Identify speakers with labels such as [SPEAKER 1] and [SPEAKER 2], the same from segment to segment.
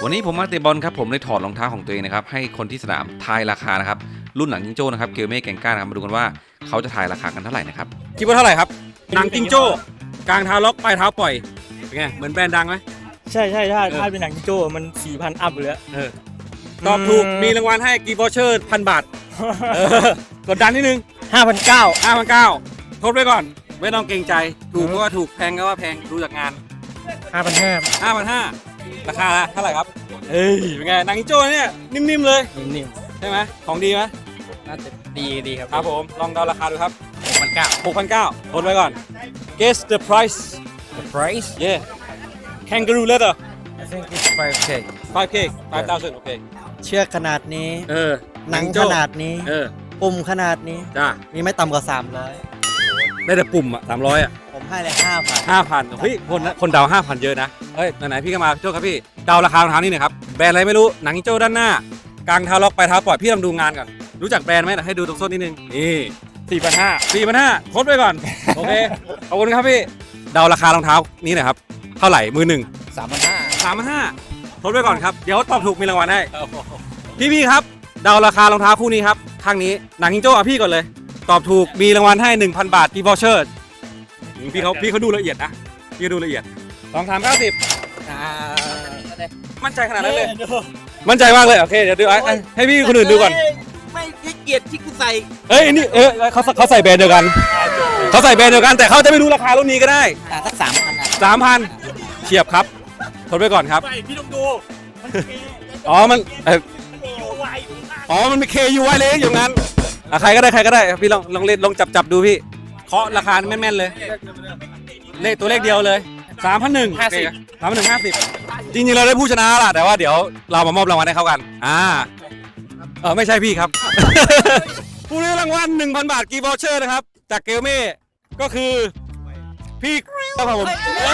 [SPEAKER 1] วันนี้ผมมาเตะบอลครับผมเลยถอดรองเท้าของตัวเองนะครับให้คนที่สนามทายราคานะครับรุ่นหนังจิงโจ้นะครับเกลเม่แกงก้านะครับมาดูกันว่าเขาจะทายราคากันเท่าไหร่นะครับคิดว่าเท่าไหร่ครับหนังจิงโจ้กลางเท้าล็อกปลายเท้าปล่อยเป็นไงเหมือนแบรนด์ดังไหม
[SPEAKER 2] ใช่ถ้าเป็นหนังจิงโจ้มัน 4,000 อัพเลย
[SPEAKER 1] ตอบถูกมีรางวัลให้กีบอเชอร์1,000 บาทกดดันนิดนึง 5,900 ทดไว้ก่อนไม่ต้องเกรงใจถูกก็ว่าถูกแพงก็ว่าแพงดูจากงาน 5,500 ราคาเท่าไหร่ครับเป็นไงหนังจิงโจ้เนี่ยนิ่มๆเลย
[SPEAKER 2] นิ่ม
[SPEAKER 1] ใช่ไหมของดีไหม
[SPEAKER 2] น่าจะดีครับ
[SPEAKER 1] ครับผมลองเดาราคาดูครับ 6,900 ทดไว้ก่อน guess the price
[SPEAKER 2] The price
[SPEAKER 1] yeah kangaroo leather
[SPEAKER 2] I think it's 5K
[SPEAKER 1] 5K 5,000 โอเค
[SPEAKER 2] เชือกขนาดนี้หนังขนาดนี้ปุ่มขนาดนี้
[SPEAKER 1] จ้า
[SPEAKER 2] มีไม่ต่ำกว่า
[SPEAKER 1] ได้แต่ปุ่มอะ300อะ
[SPEAKER 2] 300ผมให้เลย
[SPEAKER 1] 5,000เฮ้ยคนเดา 5,000 เยอะนะเฮ้ยไหนๆพี่ก็มาโจ้ครับพี่เดาราคารองเท้านี่หน่อยครับแบรนด์อะไรไม่รู้หนังจิงโจ้ด้านหน้ากลางเท้าล็อกปลายเท้าปล่อยพี่ลองดูงานก่อนรู้จักแบรนด์ไหมให้ดูตรงส้นนิดนึงนี่ 4,500 ทดไว้ก่อนโอเคขอบคุณครับพี่เดาราคารองเท้านี้หน่อยครับเท่าไหร่มือหนึ่ง 3,500 ทดไว้ก่อนครับเดี๋ยวตอบถูกมีรางวัลให้พี่ครับเดาราคารองเท้าคู่นี้ครับข้างนี้หนังจิงโจ้พี่ก่อนเลยตอบถูกมีรางวัลให้ 1,000 บาทกีบอเชอร์พี่เขาดูละเอียดนะพี่ดูละเอียด2,390มั่นใจขนาดนั้นเลยมั่นใจมากเลยโอเคเดี๋ยวดูให้พี่คนอื่นดูก่อน
[SPEAKER 2] ไม่ให้เกียรติที่กูใส่
[SPEAKER 1] เฮ้ยนี่เขาใส่แบรนด์เดียวกันแต่เขาจะไม่รู้ราคารุ่นนี้ก็ได้
[SPEAKER 2] สัก
[SPEAKER 1] 3,000 เฉียบครับทดไว้ก่อนครับ
[SPEAKER 2] พี่ต้องดู
[SPEAKER 1] มันมี KUY เลยอยู่งั้นใครก็ได้พี่ลองเล่นลองจับดูพี่เคาะราคาแม่นๆเลยเลขตัวเลขเดียวเลย 3,150 จริงๆเราได้ผู้ชนะล่ะแต่ว่าเดี๋ยวเรามามอบรางวัลให้เขากันไม่ใช่พี่ครับ ผู้ได้รางวัล 1,000 บาทกีบอเชอร์นะครับจากเกลเม่ก็คือพี่ครับผม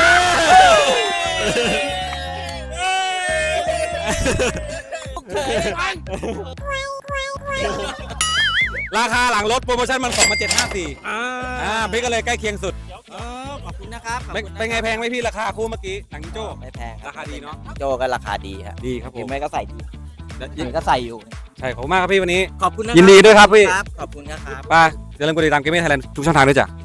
[SPEAKER 1] ราคาหลังรถโปรโมชั่นมัน2754พี่ก็เลยใกล้เคียงสุด
[SPEAKER 2] ขอบคุณนะครับ
[SPEAKER 1] เป็นไงแพงไหมพี่ราคาคู่เมื่อกี้หนังจิงโจ้
[SPEAKER 2] ไม่แพง
[SPEAKER 1] ราคาดีเนาะ
[SPEAKER 2] โจ้ก็ราคาดีครับ
[SPEAKER 1] ดีครับผม
[SPEAKER 2] ไม่ก็ใส่ดียังก็ใส่อยู่
[SPEAKER 1] ใช่ขอบคุณมากครับพี่วันนี้
[SPEAKER 2] ขอบคุณนะ
[SPEAKER 1] ยินดีด้วยครับพี่
[SPEAKER 2] ขอบคุณนะครับ
[SPEAKER 1] ป้าอย่าลืมกดติดตามเกมเมอร์ไทยแลนด์ทุกช่องทางด้วยจ้ะ